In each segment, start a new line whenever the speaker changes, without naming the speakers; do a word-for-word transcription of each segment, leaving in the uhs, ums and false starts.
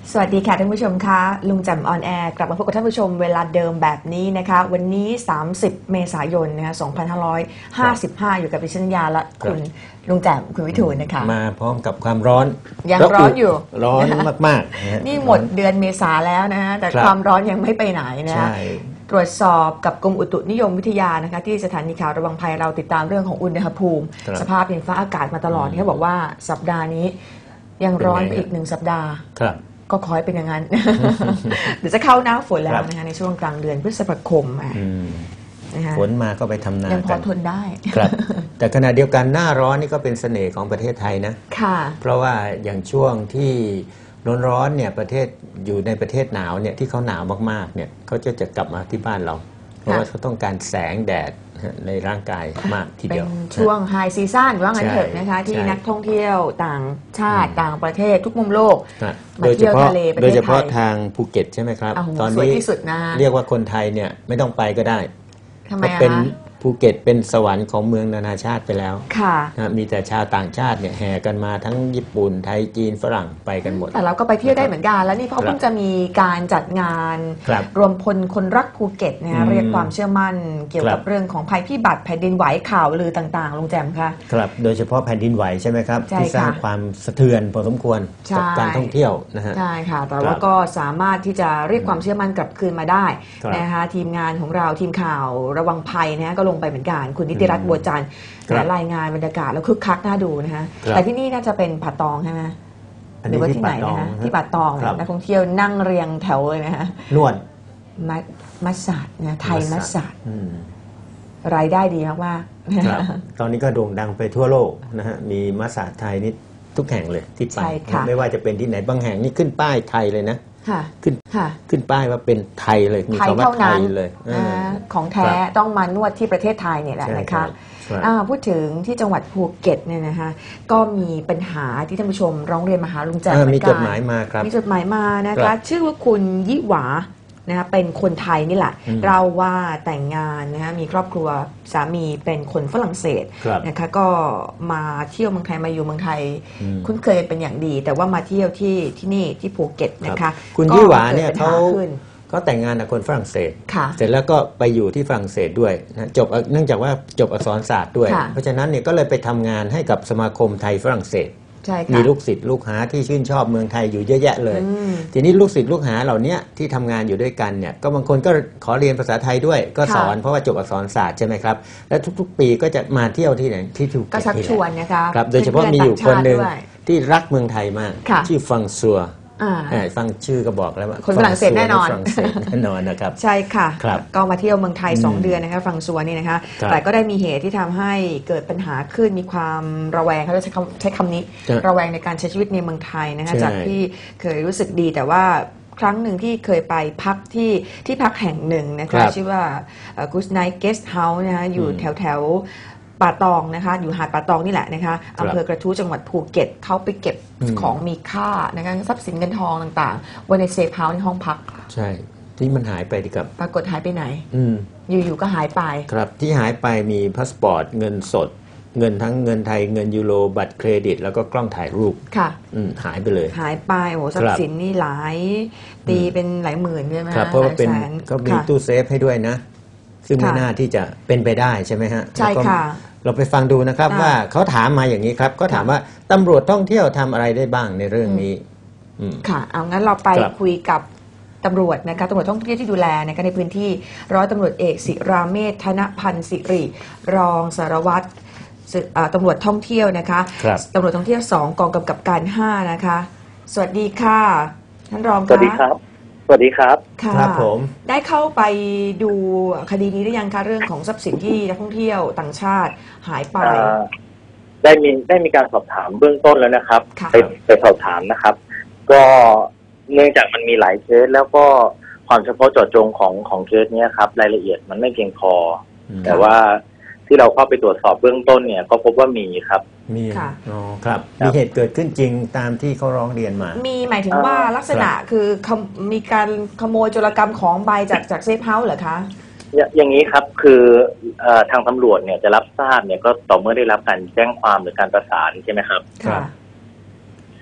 สวัสดีค่ะท่านผู้ชมคะลุงแจ่มออนแอร์กลับมาพบกับท่านผู้ชมเวลาเดิมแบบนี้นะคะวันนี้สามสิบเมษายนนะคะสองพันห้าร้อยห้าสิบห้าอยู่กับดิฉันยาและคุณลุงแจ่มคุณวิทูลนะคะ
มาพร้อมกับความร้อน
ยังร้อนอยู่
ร้อนมากๆ
นี่หมดเดือนเมษาแล้วนะฮะแต่ความร้อนยังไม่ไปไหนนะตรวจสอบกับกรมอุตุนิยมวิทยานะคะที่สถานีข่าวระวังภัยเราติดตามเรื่องของอุณหภูมิสภาพดินฟ้าอากาศมาตลอดเขาบอกว่าสัปดาห์นี้ยังร้อนไปอีกหนึ่งสัปดาห์ก็ขอให้เป็นอย่างนั้น เดี๋ยวจะเข้าหน้าฝนแล้วนะคะในช่วงกลางเดือนพฤษภาคม
ฝนมาก็ไปทำนา
ยังพอทนได้
ครับแต่ขณะเดียวกันหน้าร้อนนี่ก็เป็นเสน่ห์ของประเทศไทยนะ
ค่ะ
เพราะว่าอย่างช่วงที่ร้อนๆเนี่ยประเทศอยู่ในประเทศหนาวเนี่ยที่เขาหนาวมากๆเนี่ยเขาจะจะกลับมาที่บ้านเราเพราะว่าเขาต้องการแสงแดดในร่างกายมากทีเดียว
เป็นช่วงไฮซีซั่นว่างั้นเถอะนะคะที่นักท่องเที่ยวต่างชาติต่างประเทศทุกมุมโลกมาเที่ยวทะเลประเทศไทย
โดยเฉพาะทางภูเก็ตใช่ไหมครับ
ตอนนี้
เรียกว่าคนไทยเนี่ยไม่ต้องไปก็ได้
ทำไม
เป็นภูเก็ตเป็นสวรรค์ของเมืองนานาชาติไปแล้ว
ค่ะ
มีแต่ชาวต่างชาติเนี่ยแห่กันมาทั้งญี่ปุ่นไทยจีนฝรั่งไปกันหมด
แต่เราก็ไปเที่ยวได้เหมือนกันแล้วนี่เขาเพิ่งจะมีการจัดงานรวมพลคนรักภูเก็ตนะเรียกความเชื่อมั่นเกี่ยวกับเรื่องของภัยพิบัติแผ่นดินไหวข่าวลือต่างๆลุงแจ่มคะ
ครับโดยเฉพาะแผ่นดินไหวใช่ไหมครับที่สร้างความสะเทือนพอสมควรกับการท่องเที่ยวนะฮะ
ใช่ค่ะแต่ว่าก็สามารถที่จะเรียกความเชื่อมั่นกลับคืนมาได้นะคะทีมงานของเราทีมข่าวระวังภัยนะก็ลงไปเหมือนกันคุณนิติรัตน์บัวจันทร์รายงานบรรยากาศแล้วคึกคักน่าดูนะคะแต่ที่นี่น่าจะเป็นป่าตองใช่ไหมหรือว่าที่ไหนนะคะที่ป่าตองนักท่องเที่ยวนั่งเรียงแถวเลยนะคะ
นวด
มัสซาดนะไทยมัสซาดรายได้ดีมาก
ๆตอนนี้ก็โด่งดังไปทั่วโลกนะฮะมีมัสซาดไทยนี่ทุกแห่งเลยที่ไปไม่ว่าจะเป็นที่ไหนบางแห่งนี่ขึ้นป้ายไทยเลยนะขึ้นขึ้นป้ายว่าเป็นไทยเลยมีคำว่าไทยเลย
ของแท้ต้องมานวดที่ประเทศไทยเนี่ยแหละนะคะพูดถึงที่จังหวัดภูเก็ตเนี่ยนะคะก็มีปัญหาที่ท่านผู้ชมร้องเรียนมาหาลุงแจ่มเหมือนกัน
มีจดหมายมาครับ
มีจดหมายมานะคะชื่อว่าคุณยิหวานะคะเป็นคนไทยนี่แหละเราว่าแต่งงานนะคะมีครอบครัวสามีเป็นคนฝรั่งเศสนะคะก็มาเที่ยวเมืองไทยมาอยู่เมืองไทยคุ้นเคยเป็นอย่างดีแต่ว่ามาเที่ยวที่ที่นี่ที่ภูเก็ตนะคะ
คุณยี่หวาเนี่ยเขาก็แต่งงานกับคนฝรั่งเศสเสร็จแล้วก็ไปอยู่ที่ฝรั่งเศสด้วยนะจบเนื่องจากว่าจบอักษรศาสตร์ด้วยเพราะฉะนั้นเนี่ยก็เลยไปทำงานให้กับสมาคมไทยฝรั่งเศสมีลูกศิษย์ลูกหาที่ชื่นชอบเมืองไทยอยู่เยอะแยะเลยทีนี้ลูกศิษย์ลูกหาเหล่านี้ที่ทำงานอยู่ด้วยกันเนี่ยก็บางคนก็ขอเรียนภาษาไทยด้วยก็สอนเพราะว่าจบอักษรศาสตร์ใช่ไหมครับและทุกๆปีก็จะมาเที่ยวที่ไหนที่ภูเก็ต
ก็ชักชวนนะคะ
ครับโดยเฉพาะมีอยู่คนหนึ่งที่รักเมืองไทยมากชื่อฟังซัวฟังชื่อก็บอกแล้วว่า
คนฝรั่งเศสแน่นอน
แน่นอนนะครับ
ใช่ค่ะก็มาเที่ยวเมืองไทยสองเดือนนะคะฟังซัวนี่นะคะแต่ก็ได้มีเหตุที่ทำให้เกิดปัญหาขึ้นมีความระแวงเขาจะใช้คำใช้คำนี้ระแวงในการใช้ชีวิตในเมืองไทยนะคะจากที่เคยรู้สึกดีแต่ว่าครั้งหนึ่งที่เคยไปพักที่ที่พักแห่งหนึ่งนะคะชื่อว่า Good Night Guest House นะคะอยู่แถวแถวป่าตองนะคะอยู่หาดป่าตองนี่แหละนะคะอำเภอกระทู้จังหวัดภูเก็ตเขาไปเก็บของมีค่านะคะทรัพย์สินเงินทองต่างๆไว้ในเซฟเฮาส์ในห้องพัก
ใช่ที่มันหายไปดีครับ
ปรากฏหายไปไหนอยู่ๆก็หายไป
ครับที่หายไปมีพาสปอร์ตเงินสดเงินทั้งเงินไทยเงินยูโรบัตรเครดิตแล้วก็กล้องถ่ายรูป
ค่ะ
หายไปเลย
หายไปโอ้ทรัพย์สินนี่หลายตีเป็นหลายหมื่นใช่ไหม
ครับเพราะว่าเป็นก็มีตู้เซฟให้ด้วยนะซึ่งไม่น่าที่จะเป็นไปได้ใช่ไหมฮะ
ใช่ค่ะ
เราไปฟังดูนะครับว่าเขาถามมาอย่างนี้ครับเขาถามว่าตำรวจท่องเที่ยวทำอะไรได้บ้างในเรื่องนี้
ค่ะเอางั้นเราไปคุยกับตำรวจนะคะตำรวจท่องเที่ยวที่ดูแลนะคะในพื้นที่ร้อยตำรวจเอกศิราเมธธนพันธ์สิริรองสารวัตรตำรวจท่องเที่ยวนะคะตำรวจท่องเที่ยวสองกองกำกับการห้านะคะสวัสดีค่ะท่านรอง
สวัสดีครับสวัสดีครับ
ครับผม
ได้เข้าไปดูคดีนี้หรือยังคะเรื่องของทรัพย์สินที่นักท่องเที่ยวต่างชาติหายไป
ได้มีได้มีการสอบถามเบื้องต้นแล้วนะครับไปไปสอบถามนะครับก็เนื่องจากมันมีหลายเคสแล้วก็ความเฉพาะเจาะจงของของเคสนี้ครับรายละเอียดมันไม่เพียงพอแต่ว่าที่เราเข้าไปตรวจสอบเบื้องต้นเนี่ยก็พบว่ามีครับ
มีอ๋อครับมีเหตุเกิดขึ้นจริงตามที่เขาร้องเรียนมา
มีหมายถึงว่าลักษณะคือมีการขโมยโจรกรรมของใบจากจากเซฟเฮาส์เหรอคะ
อย่างนี้ครับคือทางตำรวจเนี่ยจะรับทราบเนี่ยก็ต่อเมื่อได้รับการแจ้งความหรือการประสานใช่ไหมครับ
ค่ะ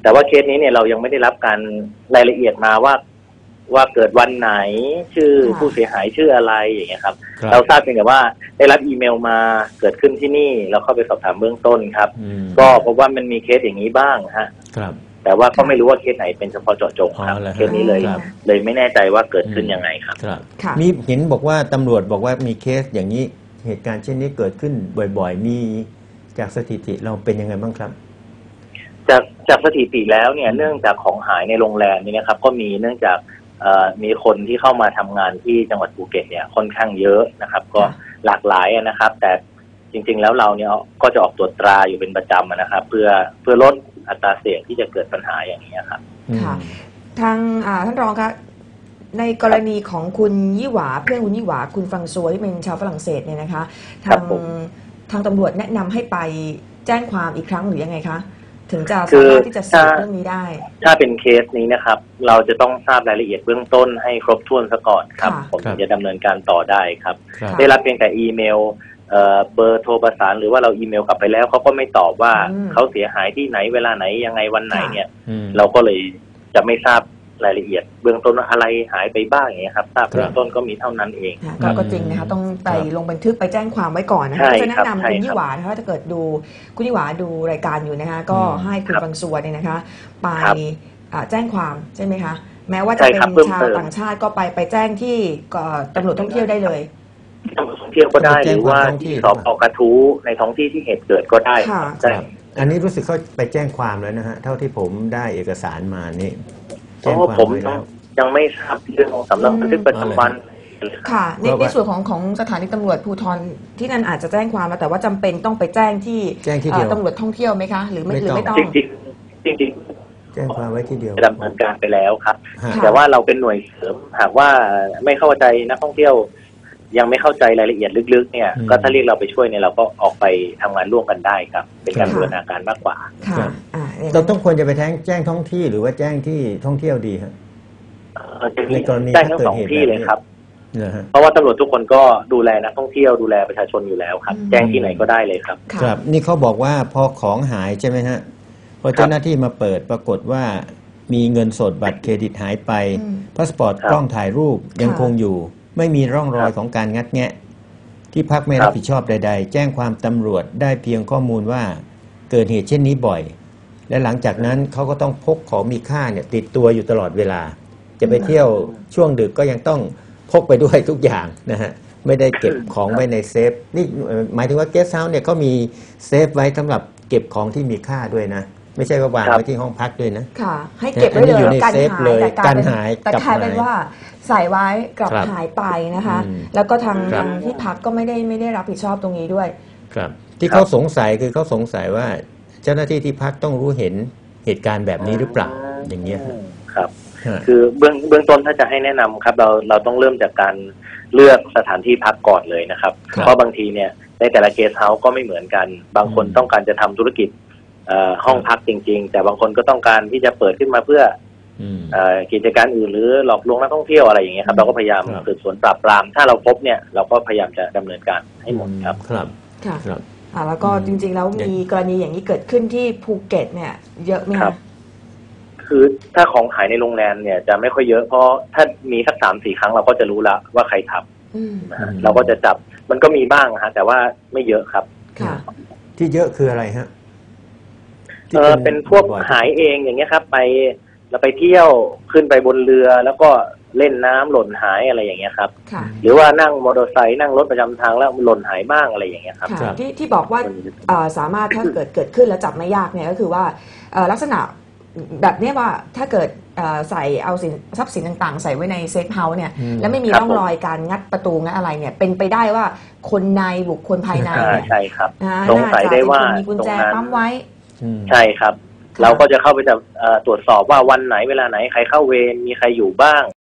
แต่ว่าเคสนี้เนี่ยเรายังไม่ได้รับการรายละเอียดมาว่าว่าเกิดวันไหนชื่อผู้เสียหายชื่ออะไรอย่างเงี้ยครับเราทราบเพียงแต่ว่าได้รับอีเมลมาเกิดขึ้นที่นี่เราเข้าไปสอบถามเบื้องต้นครับก็พบว่ามันมีเคสอย่างนี้บ้างฮะแต่ว่าก็ไม่รู้ว่าเคสไหนเป็นเฉพาะเจาะจงครับเคสนี้เลยเลยไม่แน่ใจว่าเกิดขึ้นยังไงครับ
มีเห็นบอกว่าตำรวจบอกว่ามีเคสอย่างนี้เหตุการณ์เช่นนี้เกิดขึ้นบ่อยๆมีจากสถิติเราเป็นยังไงบ้างครับ
จากจากสถิติแล้วเนี่ยเนื่องจากของหายในโรงแรมนี่นะครับก็มีเนื่องจากมีคนที่เข้ามาทำงานที่จังหวัดภูเก็ตเนี่ยค่อนข้างเยอะนะครับก็หลากหลายนะครับแต่จริงๆแล้วเราเนี่ยก็จะออกตรวจตราอยู่เป็นประจำนะครับเพื่อเพื่อลดอัตราเสี่ยงที่จะเกิดปัญหาอย่างนี้ครับ
ค่ะทางท่านรองครับในกรณีของคุณยี่หวาเพื่อนคุณยี่หวาคุณฟังซัวที่เป็นชาวฝรั่งเศสเนี่ยนะคะทางทางตำรวจแนะนำให้ไปแจ้งความอีกครั้งหรือยังไงคะถึงจะสามารถที่จะสืบเรื่องนี้ได้
ถ้าเป็นเคสนี้นะครับเราจะต้องทราบรายละเอียดเบื้องต้นให้ครบถ้วนซะก่อนครับผมจะดำเนินการต่อได้ครับได้รับเพียงแต่อีเมลเบอร์โทรประสานหรือว่าเราอีเมลกลับไปแล้วเขาก็ไม่ตอบว่าเขาเสียหายที่ไหนเวลาไหนยังไงวันไหนเนี่ยเราก็เลยจะไม่ทราบรายละเอียดเบื้องต้นว่าอะไรหายไปบ้างอย่างเงี้ยครับทราบเบื้องต้นก็มีเท่านั้นเอง
ก็จริงนะคะต้องไปลงบันทึกไปแจ้งความไว้ก่อนนะคะจะแนะนำคุณยี่หวาถ้าจะเกิดดูคุณยี่หวาดูรายการอยู่นะคะก็ให้คุณฟังซัวเนี่ยนะคะไปแจ้งความใช่ไหมคะแม้ว่าจะเป็นชาวต่างชาติก็ไปไปแจ้งที่ตำรวจท่องเที่ยวได้เลย
ตำรวจท่องเที่ยวก็ได้หรือว่าที่สพกระทู้ในท้องที่ที่เหตุเกิดก็ได้ใช่
อันนี้รู้สึกเขาไปแจ้งความแล้วนะฮะเท่าที่ผมได้เอกสารมานี่
เพราะผมยังไม่ทราบเรื่องของสำนักบันทึกประจำวัน
ค่ะในในส่วนของของสถานีตำรวจภูธรที่นั่นอาจจะแจ้งความมาแต่ว่าจำเป็นต้องไปแจ้งที่ตำรวจท่องเที่ยวไหมคะหรือไม่หรือไม่ต้อง
จริงจริงจริง
แจ้งความไว้ที่เดียว
ดำเนินการไปแล้วครับแต่ว่าเราเป็นหน่วยเสริมหากว่าไม่เข้าใจนักท่องเที่ยวยังไม่เข้าใจรายละเอียดลึกๆเนี่ยก็ถ้าเรียกเราไปช่วยเนี่ยเราก็ออกไปทำงานร่วมกันได้ครับเป็นการบูรณาการมากกว่า
เราต้องควรจะไปแจ้งแจ้งท้องที่หรือว่าแจ้งที่ท่องเที่ยวดีครับ
ในกรณีแจ้งทั้งสองที่เลยครับเพราะว่าตำรวจทุกคนก็ดูแลนักท่องเที่ยวดูแลประชาชนอยู่แล้วครับแจ้งที่ไหนก็ได้เลยครับ
ครับนี่เขาบอกว่าพอของหายใช่ไหมฮะพอเจ้าหน้าที่มาเปิดปรากฏว่ามีเงินสดบัตรเครดิตหายไปพาสปอร์ตกล้องถ่ายรูปยังคงอยู่ไม่มีร่องรอยของการงัดแงะที่พักไม่รับผิดชอบใดๆแจ้งความตำรวจได้เพียงข้อมูลว่าเกิดเหตุเช่นนี้บ่อยและหลังจากนั้นเขาก็ต้องพกของมีค่าเนี่ยติดตัวอยู่ตลอดเวลาจะไปเที่ยวช่วงดึกก็ยังต้องพกไปด้วยทุกอย่างนะฮะไม่ได้เก็บของไว้ในเซฟนี่หมายถึงว่าเกสต์เฮาส์เนี่ยเขามีเซฟไว้สำหรับเก็บของที่มีค่าด้วยนะไม่ใช่ว่าวางไว้ที่ห้องพักด้วยนะ
ค่ะให้เก็บไว้เลยการหายแต่กลายเป็นว่าใส่ไว้กลับหายไปนะคะแล้วก็ทางทางที่พักก็ไม่ได้ไม่ได้รับผิดชอบตรงนี้ด้วย
ครับที่เขาสงสัยคือเขาสงสัยว่าเจ้าหน้าที่ที่พักต้องรู้เห็นเหตุการณ์แบบนี้หรือเปล่าอย่างเงี้ย
ครับคือเบื้องเบื้องต้นถ้าจะให้แนะนำครับเราเราต้องเริ่มจากการเลือกสถานที่พักก่อนเลยนะครับเพราะบางทีเนี่ยในแต่ละเกสต์เฮาส์ก็ไม่เหมือนกันบางคนต้องการจะทำธุรกิจห้องพักจริงๆแต่บางคนก็ต้องการที่จะเปิดขึ้นมาเพื่อกิจการอื่นหรือหลอกลวงนักท่องเที่ยวอะไรอย่างเงี้ยครับเราก็พยายามสืบสวนปราบปรามถ้าเราพบเนี่ยเราก็พยายามจะดำเนินการให้หมดครับ
ครับ
ค่ะแล้วก็จริงๆแล้วมีกรณีอย่างนี้เกิดขึ้นที่ภูเก็ตเนี่ยเยอะไหมคะ
คือถ้าของหายในโรงแรมเนี่ยจะไม่ค่อยเยอะเพราะถ้ามีสักสามสี่ครั้งเราก็จะรู้ละว่าใครทำเราก็จะจับมันก็มีบ้างฮะแต่ว่าไม่เยอะครับ
ที่เยอะคืออะไรฮะ
เออเป็นพวกหายเองอย่างเงี้ยครับไปเราไปเที่ยวขึ้นไปบนเรือแล้วก็เล่นน้ำหล่นหายอะไรอย่างเงี้ยครับหรือว่านั่งมอเตอร์ไซค์นั่งรถประจำทางแล้วหล่นหายบ้างอะไรอย่างเงี้ยครับ
ที่ที่บอกว่าสามารถถ้าเกิดเกิดขึ้นแล้วจับไม่ยากเนี่ยก็คือว่าลักษณะแบบนี้ว่าถ้าเกิดใส่เอาสินทรัพย์สินต่างๆใส่ไว้ในเซฟเฮาส์เนี่ยแล้วไม่มีร่องรอยการงัดประตูงัดอะไรเนี่ยเป็นไปได้ว่าคนในบุคคลภายในเนี่ย
ใช่ครับสงสัยได้ว่า
มีกุญแจปั๊มไว้
ใช่ครับเราก็จะเข้าไปจะตรวจสอบว่าวันไหนเวลาไหนใครเข้าเวรมีใครอยู่บ้าง